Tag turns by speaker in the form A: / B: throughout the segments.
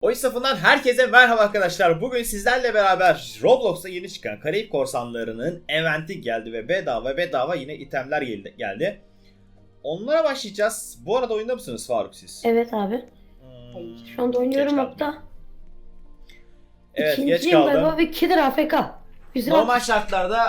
A: Oyun safından herkese merhaba arkadaşlar. Bugün sizlerle beraber Roblox'a yeni çıkan Karayip Korsanları'nın eventi geldi ve bedava yine itemler geldi. Onlara başlayacağız. Bu arada oyunda mısınız Faruk siz?
B: Evet abi. Şu anda oynuyorum
A: geç
B: hatta.
A: Evet, geç
B: İkinciyim
A: kaldım.
B: galiba ve Killer AFK. Güzel.
A: Normal şartlarda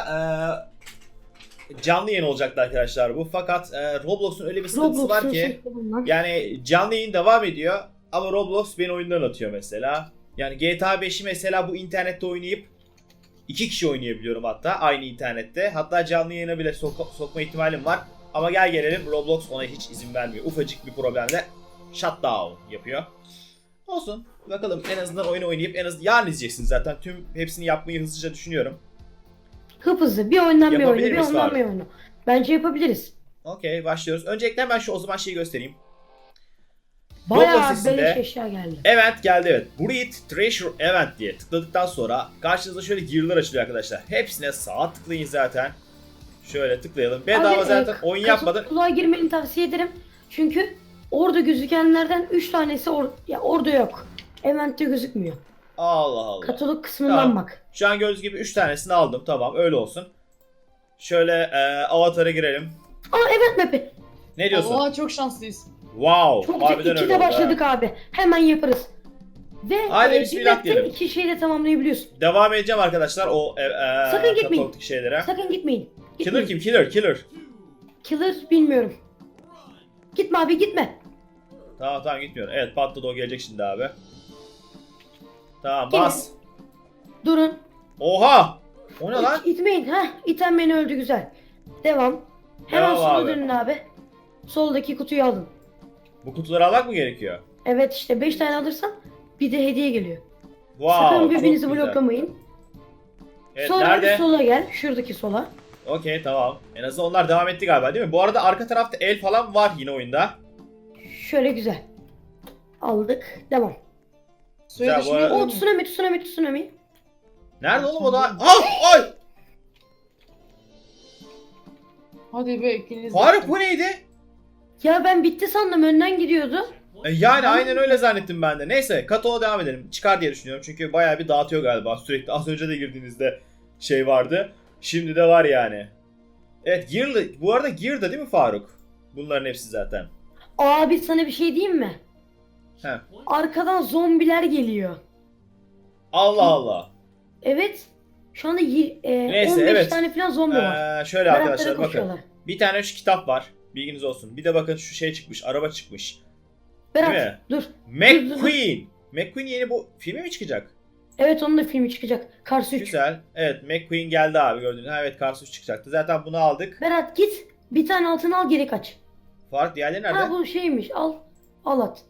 A: canlı yayın olacaktı arkadaşlar bu. Fakat Roblox'un öyle bir sıkıntısı var ki yani canlı yayın devam ediyor ama Roblox beni oyundan atıyor mesela. Yani GTA 5'i mesela bu internette oynayıp 2 kişi oynayabiliyorum hatta aynı internette. Hatta canlı yayına bile sokma ihtimalim var. Ama gel gelelim Roblox ona hiç izin vermiyor. Ufacık bir problemle shutdown yapıyor. Olsun. Bakalım en azından oyunu oynayıp yarın izleyeceksiniz zaten. Hepsini yapmayı hızlıca düşünüyorum.
B: Hızlı bir oyundan bir oyunu,
A: Yapabilir
B: bir
A: miyiz
B: oyundan
A: abi?
B: bir oyunu. Bence yapabiliriz.
A: Okey, başlıyoruz. Öncelikle hemen şu o zaman şeyi göstereyim.
B: Bayağı
A: Roblox sitesinde
B: beleş eşya geldi.
A: event geldi, evet. Breed Treasure Event diye tıkladıktan sonra karşınıza şöyle gear'lar açılıyor arkadaşlar. Hepsine sağ tıklayın zaten. Şöyle tıklayalım. Bedava zaten oyun yapmadan.
B: Kulağa girmeni tavsiye ederim. Çünkü orada gözükenlerden 3 tanesi orada yok. Event'te gözükmüyor.
A: Allah Allah.
B: Katalog kısmından
A: Tamam.
B: bak.
A: Şu an gördüğünüz gibi 3 tanesini aldım. Tamam, öyle olsun. Şöyle avatara girelim.
B: Aa event map'i.
A: Ne diyorsun?
C: Oha çok şanslıyız.
A: Wow.
B: Çok
A: Harbiden
B: güzel.
A: öyle
B: 2'de
A: oldu ha.
B: başladık abi. Hemen yaparız. Ve
A: Haydi
B: bir
A: bismillah
B: map'te
A: diyelim.
B: 2 şeyi de tamamlayabiliyorsun.
A: Devam edeceğim arkadaşlar o
B: Sakın gitmeyin.
A: katalogdaki şeylere.
B: Sakın gitmeyin.
A: Killer kim? Killer.
B: Killer bilmiyorum. Gitme abi gitme.
A: Tamam gitmiyorum. Evet, patladı, o gelecek şimdi abi. Tamam,
B: Gelin.
A: bas.
B: Durun.
A: Oha! O ne lan?
B: İtmeyin. İten beni öldü güzel. Devam. Hemen
A: Devam
B: sola
A: abi.
B: dönün abi. Soldaki kutuyu alın.
A: Bu kutuları almak mı gerekiyor?
B: Evet işte 5 tane alırsan bir de hediye geliyor.
A: Wow,
B: Sakın
A: çok
B: birbirinizi
A: güzel.
B: bloklamayın.
A: Evet,
B: Sonra
A: nerede?
B: bir sola gel. Şuradaki sola.
A: Okey, tamam. En azından onlar devam etti galiba, değil mi? Bu arada arka tarafta el falan var yine oyunda.
B: Şöyle güzel. Aldık. Devam.
C: Suya
A: Güzel, bu arada-
C: düşmeyelim
B: O
C: mi?
B: tsunami.
A: Nerede oğlum o da? Ah! Ay!
C: Hadi be ikiniz de.
A: Faruk, bu neydi?
B: Ya ben bitti sandım. Önden gidiyordu.
A: Yani aynen öyle zannettim ben de. Neyse, kataloğa devam edelim. Çıkar diye düşünüyorum çünkü bayağı bir dağıtıyor galiba. Sürekli az önce de girdiğinizde şey vardı. Şimdi de var yani. Evet, Gear'lı. Bu arada Gear'da değil mi Faruk? Bunların hepsi zaten.
B: Abi sana bir şey diyeyim mi?
A: Heh.
B: Arkadan zombiler geliyor.
A: Allah Allah.
B: Evet. Şu anda
A: Neyse,
B: 15
A: evet.
B: tane falan zombi var.
A: Şöyle
B: Beratlara
A: arkadaşlar bakın.
B: koşuyorlar.
A: Bir tane şu kitap var. Bilginiz olsun. Bir de bakın şu şey çıkmış. Araba çıkmış. Değil mi?
B: Berat dur.
A: McQueen. McQueen yeni bu filmi mi çıkacak?
B: Evet onun da filmi çıkacak. Kars 3.
A: Güzel. Evet, McQueen geldi abi, gördüğünüz. Ha, evet, Cars 3 çıkacaktı. Zaten bunu aldık.
B: Berat git. Bir tane altın al geri kaç.
A: Faruk, diğerleri nerede?
B: Ha bu şeymiş al. Al at.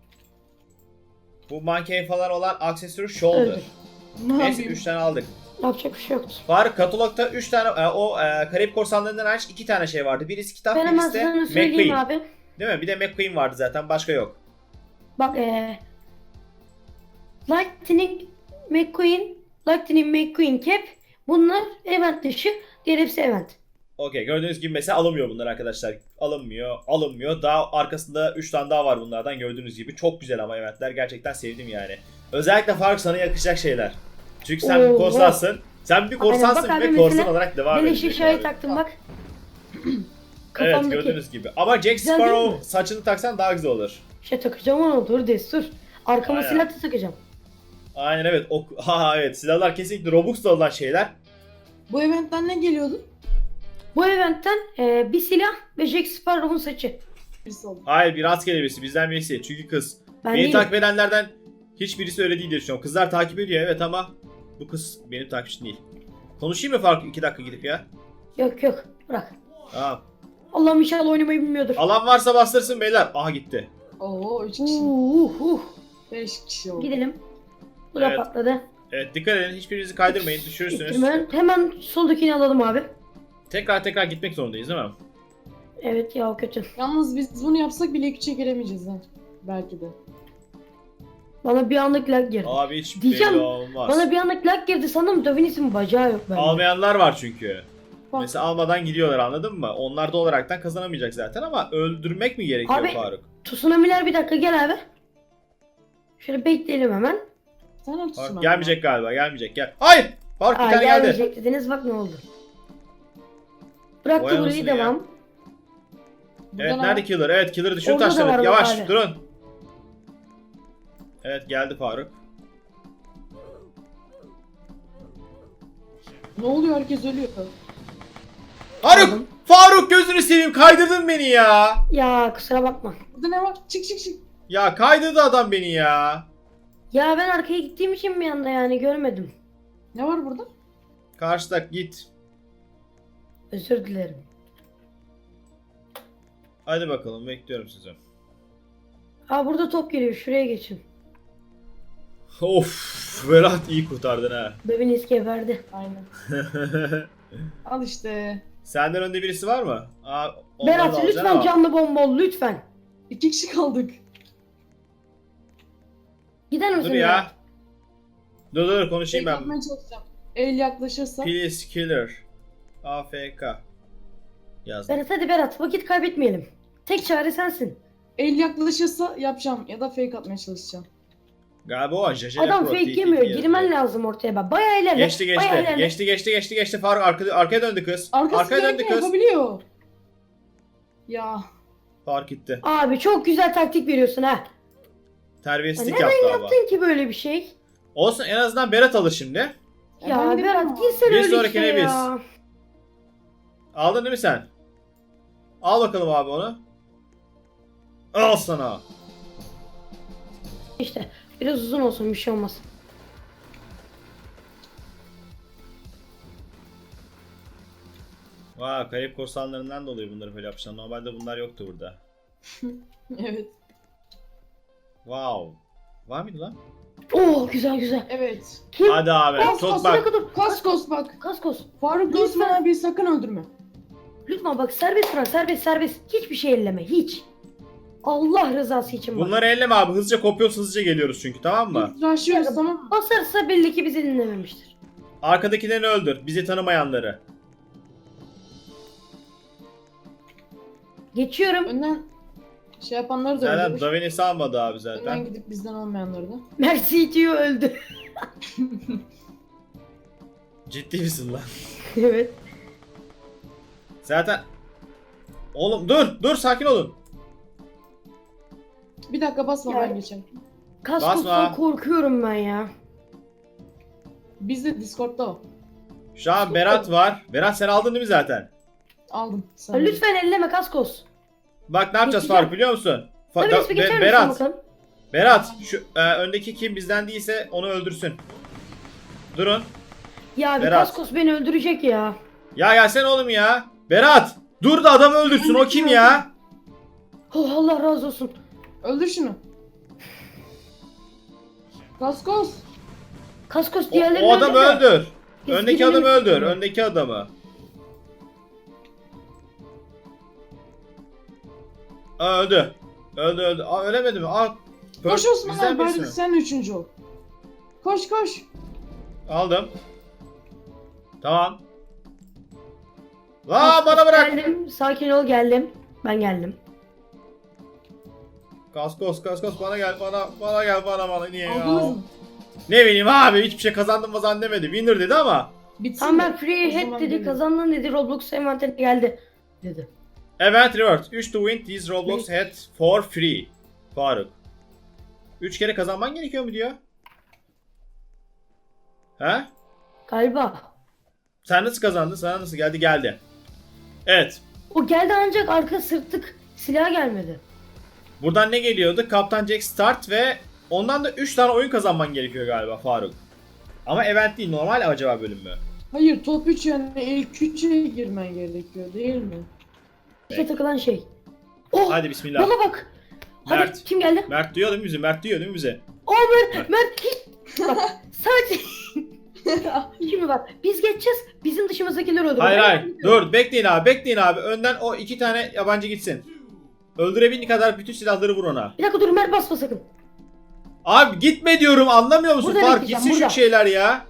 A: Bu manken falan olan aksesuar shoulder.
B: Öldür.
C: Ne
A: Neyse,
C: yapayım?
A: 3 tane aldık.
B: Yapacak bir şey yoktu.
A: Faruk, katalogda 3 tane Karayip Korsanları'ndan hariç 2 tane şey vardı. Birisi kitap,
B: Ben hemen
A: birisi de
B: sana söyleyeyim
A: McQueen.
B: abi.
A: Değil mi? Bir de McQueen vardı zaten. Başka yok.
B: Bak Lightning McQueen Cap. Bunlar event dışı. Diğer hepsi event.
A: Okey, gördüğünüz gibi mesela alınmıyor bunlar arkadaşlar. Alınmıyor. Daha arkasında 3 tane daha var bunlardan, gördüğünüz gibi. Çok güzel ama eventler. Gerçekten sevdim yani. Özellikle Faruk, sana yakışacak şeyler. Çünkü sen bir
B: Oo,
A: korsansın. Sen bir korsansın
B: Bak abi
A: ve korsan
B: mesela
A: olarak devam
B: Beleş
A: edeceksin
B: eşyayı
A: abi.
B: taktım bak.
A: Evet,
B: Kafamdaki.
A: gördüğünüz gibi. Ama Jack
B: Güzel değil
A: Sparrow
B: mi?
A: saçını taksan daha güzel olur.
B: Şey takacağım onu dur destur. Arkama
A: Aynen.
B: silah da takacağım.
A: Aynen, evet. Evet, silahlar kesinlikle Robux'ta olan şeyler.
C: Bu eventten ne geliyordu?
B: Bu eventten bir silah ve Jack Sparrow'un saçı.
C: Birisi oldu.
A: Hayır, bir rastgele birisi, bizden birisi. Çünkü kız.
B: Ben
A: Beni
B: değilim.
A: takip edenlerden hiçbirisi öyle değil diye düşünüyorum. Kızlar takip ediyor evet ama bu kız benim takipçim değil. Konuşayım mı Faruk 2 dakika gidip ya?
B: Yok bırak.
A: Tamam.
B: Allah'ım inşallah oynamayı bilmiyordur.
A: Alan varsa bastırsın beyler. Aha, gitti.
C: Oo 3 kişi. 5 kişi oldu.
B: Gidelim. Bu da
A: Evet.
B: patladı.
A: Evet, dikkat edin, hiçbirinizi kaydırmayın, düşürürsünüz.
B: Hemen soldakini alalım abi.
A: Tekrar gitmek zorundayız değil mi?
B: Evet ya o kötü.
C: Yalnız biz bunu yapsak bile 2'ye giremeyeceğiz ha. Belki de.
B: Bana bir anlık lag girdi.
A: Abi hiç
B: Diyeceğim,
A: belli olmaz.
B: Bana bir anlık lag girdi sandım Davinis'in bacağı yok bende.
A: Almayanlar var çünkü.
C: Bak.
A: Mesela almadan gidiyorlar, anladın mı? Onlar da olaraktan kazanamayacak zaten ama öldürmek mi gerekiyor
B: Abi-
A: Faruk?
B: Tsunami'ler bir dakika gel abi. Şöyle bekleyelim hemen.
C: Sen haklısın
A: Faruk
C: ama.
A: gelmeyecek galiba, gelmeyecek. Gel. Hayır! Faruk bir
B: Aa,
A: tane geldi.
B: gelmeyecek dediniz, bak ne oldu. Bıraktı
A: Vay
B: burayı,
A: anasını ya.
B: devam.
A: Evet,
C: Buradan
A: nerede Killer? Evet, Killer'ı düşür
B: Orada da var
A: taşları.
B: bak
A: Yavaş
B: abi.
A: durun. Evet, geldi Faruk.
C: Ne oluyor, herkes ölüyor.
A: Faruk!
B: Aldım.
A: Faruk gözünü seveyim, kaydırdın beni ya.
B: Ya kusura bakma.
C: Burada ne var? Çık çık çık.
A: Ya kaydırdı adam beni ya.
B: Ya ben arkaya gittiğim için bir anda yani görmedim.
C: Ne var burada?
A: Karşıda git.
B: Özür dilerim.
A: Hadi bakalım, bekliyorum sizi.
B: Aa, burada top geliyor, şuraya geçin.
A: Of, Berat iyi kurtardın ha.
B: Bebeniz geberdi.
C: Aynen. Al işte.
A: Senden önde birisi var mı? Aa, onları da
B: Berat
A: alacaksın
B: lütfen
A: ama.
B: canlı bomba ol lütfen.
C: 2 kişi kaldık.
B: Gider misin
A: Dur ya.
B: Berat?
A: Dur konuşayım ben.
C: Yapmaya çalışacağım. El yaklaşırsa.
A: Please Killer. AFK. Yazdım.
B: Berat hadi Berat, vakit kaybetmeyelim. Tek çare sensin.
C: El yaklaşırsa yapacağım ya da fake atmaya çalışacağım.
A: Galiba o Jaja
B: Adam
A: Pro,
B: fake
A: TTP
B: yemiyor.
A: yazıyor.
B: Girmen lazım ortaya bak. Bayağı ilerle.
A: Geçti
B: Bayağı
A: geçti.
B: ilerle.
A: Geçti. Faruk arkaya döndü kız.
C: Arkası
A: Arkaya döndü
C: döndü
A: kız.
C: yapabiliyor. Ya.
A: Fark gitti.
B: Abi çok güzel taktik veriyorsun ha. Ya
A: Terbiyesizlik
B: neden
A: yaptı ama.
B: yaptın ki böyle bir şey?
A: Olsun, en azından Berat alır şimdi.
B: Ya
C: ben de
B: Berat
C: bilmiyorum.
B: girsene
A: Bir
B: öyle
A: sonrakine
B: şey
A: biz.
B: ya.
A: Aldın değil mi sen? Al bakalım abi onu. Al sana.
B: İşte biraz uzun olsun, bir şey olmaz.
A: Vay, kayıp korsanlarından dolayı bunları böyle yapmışlar. Normalde bunlar yoktu burada.
C: Evet.
A: Wow. Var mıydı lan?
B: Oo, güzel güzel.
C: Evet.
B: Kim?
A: Hadi abi.
C: Kaskos,
A: Tut bak.
B: Dur.
C: Kaskos bak.
B: Kaskos.
C: Faruk
B: Lütfen.
C: Osman abi sakın öldürme.
B: Lütfen bak, serbest bırak, serbest. Hiçbir şey elleme, hiç. Allah rızası için bak.
A: Bunları elleme abi. Hızlıca kopuyoruz, hızlıca geliyoruz çünkü, tamam mı?
C: Biz rushlıyoruz, tamam mı?
B: Basarsa belli ki bizi dinlememiştir.
A: Arkadakilerini öldür. Bizi tanımayanları.
B: Geçiyorum.
C: Önden şey yapanları da
A: Zaten
C: öldürür.
A: Davin'i salmadı abi
C: Önden
A: zaten.
C: gidip bizden olmayanları da.
B: Mercy diyor, öldü.
A: Ciddi misin lan?
B: Evet.
A: Zaten... Oğlum dur sakin olun.
C: Bir dakika basma,
B: Ya.
C: ben geçerim.
B: Kaskos'tan
A: Basma.
B: korkuyorum ben ya.
C: Biz de Discord'da o.
A: Şu an Berat var. Berat sen aldın değil mi zaten?
C: Aldım. Sen
B: Ya lütfen elleme Kaskos.
A: Bak ne yapacağız
B: Geçeceğim.
A: Faruk biliyor musun?
B: Tabii resmi geçer misin
A: Berat.
B: bakalım?
A: Berat şu öndeki kim bizden değilse onu öldürsün. Durun.
B: Ya bir
A: Berat.
B: Kaskos beni öldürecek ya.
A: Ya gelsene oğlum ya. Berat. Dur da adamı öldürsün. O kim ya?
B: Oh, Allah razı olsun.
C: Öldür şunu. Kaskos.
B: Kaskos
A: O,
B: diğerlerini
A: o adamı
B: öldür de.
A: öldür.
B: Biz
A: Öndeki
B: gidelim
A: adamı öldür.
B: istiyorum.
A: Öndeki adamı. Öldü. Öldü. Aa, ölemedi mi? Aa,
C: Koş Osman
A: bizden
C: abi, bari
A: birisi mi?
C: sen üçüncü ol. Koş.
A: Aldım. Tamam. La bana bırak.
B: Geldim. Sakin ol, geldim. Ben geldim.
A: Kaskos bana gel bana niye
C: Aldınız
A: ya?
C: mı?
A: Ne bileyim abi, hiçbir şey kazandım mı demedi. Winner dedi ama.
C: Bitsin
B: Tamam,
C: de.
B: ben free
C: O zaman
B: head dedi,
C: gelirim.
B: kazandın dedi, Roblox envanterine geldi dedi.
A: Event reward. 3 to win these Roblox head for free. Faruk. 3 kere kazanman gerekiyor mu diyor? He?
B: Galiba.
A: Sen nasıl kazandın? Sana nasıl geldi? Geldi. Evet.
B: O geldi ancak arka sırtlık silah gelmedi.
A: Buradan ne geliyordu? Kaptan Jack start ve ondan da 3 tane oyun kazanman gerekiyor galiba Faruk. Ama event değil, normal acaba bölüm mü?
C: Hayır, top 3 yani ilk 3'e girmen gerekiyor değil mi?
B: İşte takılan şey. Oh!
A: Hadi bismillah.
B: Bana bak. Hadi
A: Mert.
B: kim geldi?
A: Mert duyuyor değil mi bizi? Mert duyuyor değil mi bizi?
B: Oh Mert hiç. Bak sadece. Şimdi bak, biz geçeceğiz. Bizim dışımızdakiler öldürür.
A: Hayır. Dur bekleyin abi. Önden o 2 tane yabancı gitsin. Öldürebildiğin kadar bütün silahları vur ona.
B: Bir dakika dur, Mert basma sakın.
A: Abi gitme diyorum, anlamıyor musun?
B: Burada
A: Fark
B: bekleyeceğim,
A: gitsin
B: burada.
A: şu şeyler ya.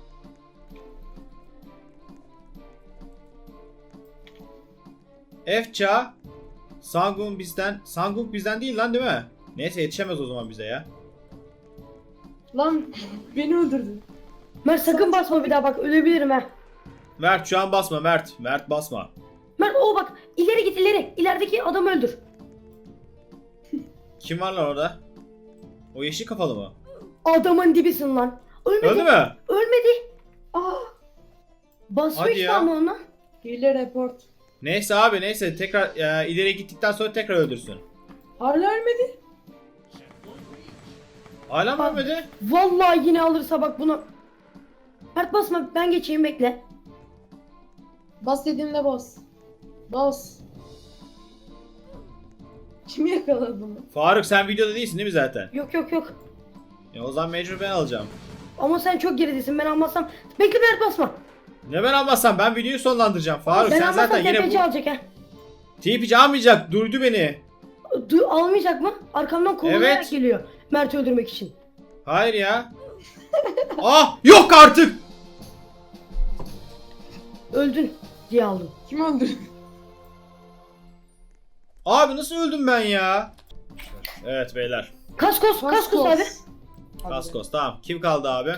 A: Efça. Sangung bizden değil lan değil mi? Neyse yetişemez o zaman bize ya.
C: Lan beni öldürdün.
B: Mert sakın basma bir daha bak ölebilirim ha.
A: Mert şu an basma Mert. Mert basma.
B: Mert o bak ileri git ileri. İlerideki adamı öldür.
A: Kim var lan orada? O yeşil kafalı mı?
B: Adamın dibisin lan. Ölmedi.
A: Öldü mü?
B: Ölmedi.
C: Aa.
B: Basıyor
A: Hadi
B: işte
A: ya.
B: ama ona.
C: Hile report.
A: Neyse abi neyse tekrar ileri gittikten sonra tekrar öldürsün.
C: Hala ölmedi.
A: Hala mı ölmedi?
B: Vallahi yine alırsa bak bunu. Mert basma ben geçeyim bekle.
C: Bas dediğimde bas. Bas. Kim yakaladı bunu?
A: Faruk sen videoda değilsin değil mi zaten?
B: Yok yok yok.
A: O zaman mecbur ben alacağım.
B: Ama sen çok geridesin ben almazsam. Bekle Mert basma.
A: Ne ben almazsam ben videoyu sonlandıracağım. Faruk
B: Ben
A: sen
B: almazsam
A: zaten yine
B: tepeci
A: bu...
B: alacak ha.
A: TP'ci almayacak. Duydu beni.
B: Almayacak mı? Arkamdan kovalayarak
A: Evet.
B: geliyor. Mert'i öldürmek için.
A: Hayır ya. Ah yok artık.
B: Öldün diye aldım.
C: Kim öldürdü?
A: Abi nasıl öldüm ben ya? Evet beyler.
B: Kaskos abi.
A: Kaskos tamam. Kim kaldı abi?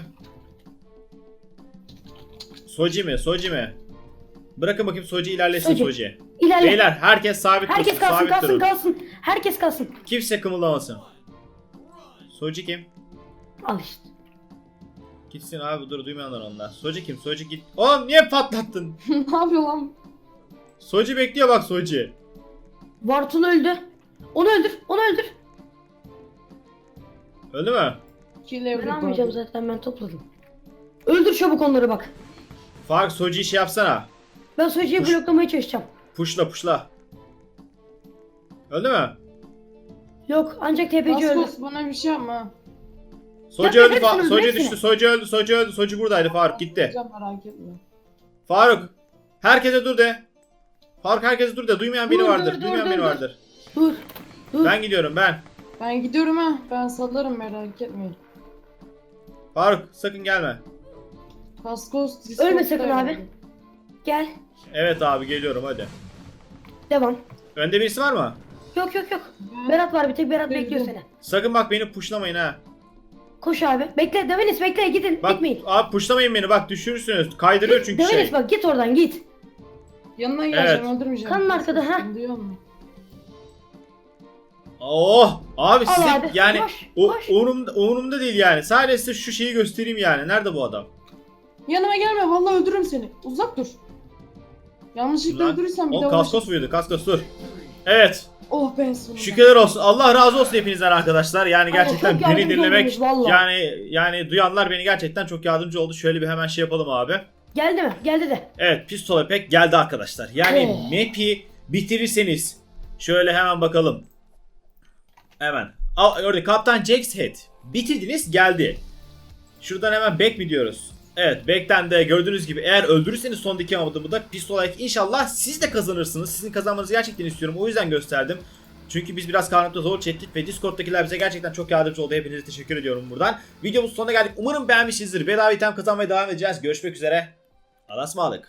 A: Soji mi? Soji mi? Bırakın bakayım Soji ilerlesin
B: Soji.
A: Soji.
B: İlerle.
A: Beyler herkes sabit
B: Herkes
A: dursun.
B: kalsın
A: Sabit
B: kalsın
A: durun.
B: kalsın. Herkes kalsın.
A: Kimse kımıldamasın. Soji kim?
B: Al işte.
A: Gitsin abi dur duymayanlar onlar. Soji kim? Soji git. Oğlum niye patlattın?
C: Ne yapıyor lan?
A: Soji bekliyor bak Soji.
B: Vartul öldü. Onu öldür. Onu öldür.
A: Öldü mü?
C: Hile
B: Ben
C: report.
B: almayacağım zaten ben topladım. Öldür çabuk onları bak.
A: Fark Soji'yi şey yapsana.
B: Ben Soji'yi
A: Push.
B: bloklamaya çalışacağım.
A: Puşla puşla. Öldü mü?
B: Yok ancak tepeci öldü.
C: Kaskos bana bir şey yapma.
A: Soji
B: Yapma,
A: öldü.
B: hepsini öldür,
A: Soji
B: hepsini.
A: düştü. Soji öldü. Soji öldü. Soji buradaydı Faruk gitti.
C: Yapacağım, merak etme.
A: Faruk. Herkese dur de. Faruk herkese dur de. Duymayan biri
B: Dur,
A: vardır.
B: dur,
A: Duymayan
B: dur,
A: biri
B: dur.
A: vardır.
B: Dur. Dur.
A: Ben gidiyorum ben.
C: Ben gidiyorum ha. Ben salarım, merak etmeyin.
A: Faruk sakın gelme.
C: Kaskos
B: Ölme
C: Discord'da
B: sakın abi.
C: yani.
B: Gel.
A: Evet abi geliyorum hadi.
B: Devam.
A: Önde birisi var mı?
B: Yok yok yok.
C: Ben-
B: Berat var bir tek Berat
C: Öldüm.
B: bekliyor seni.
A: Sakın bak beni puşlamayın ha.
B: Koş abi. Bekle Devenis bekle gidin.
A: Bak
B: Gitmeyin.
A: abi puşlamayın beni bak düşürürsünüz. Kaydırıyor çünkü
B: Devenis
A: şey.
B: bak git oradan git.
C: Yanına geleceğim,
A: Evet.
C: öldürmeyeceğim.
B: Kanın arkada, ha.
C: Duyuyor musun?
A: Oh abi
B: Al
A: size
B: abi,
A: yani
B: koş,
A: o
B: koş.
A: umurumda değil yani. Sadece size şu şeyi göstereyim yani. Nerede bu adam?
C: Yanıma gelme, vallahi öldürürüm seni. Uzak dur. Yanlışlıkla
A: Lan,
C: öldürürsem bir
A: o
C: daha
A: kaskos muydu? Kaskos dur. Evet.
C: Oh ben sonunda.
A: Şükürler olsun. Allah razı olsun hepinizden arkadaşlar. Yani gerçekten
B: çok
A: beni
B: yardımcı
A: dinlemek
B: oldunuz valla.
A: yani duyanlar beni gerçekten çok yardımcı oldu. Şöyle bir hemen şey yapalım abi.
B: Geldi mi? Geldi de.
A: Evet, Pistol Epek geldi arkadaşlar. Yani
B: Oh.
A: map'i bitirirseniz şöyle hemen bakalım. Hemen. Orada Kaptan Jack's Head. Bitirdiniz geldi. Şuradan hemen back mi diyoruz? Evet, back'ten de gördüğünüz gibi eğer öldürürseniz son diki adımı da Pistol Epek inşallah siz de kazanırsınız. Sizin kazanmanızı gerçekten istiyorum. O yüzden gösterdim. Çünkü biz biraz karanlıkta zor çektik ve Discord'dakiler bize gerçekten çok yardımcı oldu. Hepinize teşekkür ediyorum buradan. Videomuzun sonuna geldik. Umarım beğenmişsinizdir. Bedava item kazanmaya devam edeceğiz. Görüşmek üzere. Allah'a ısmarladık.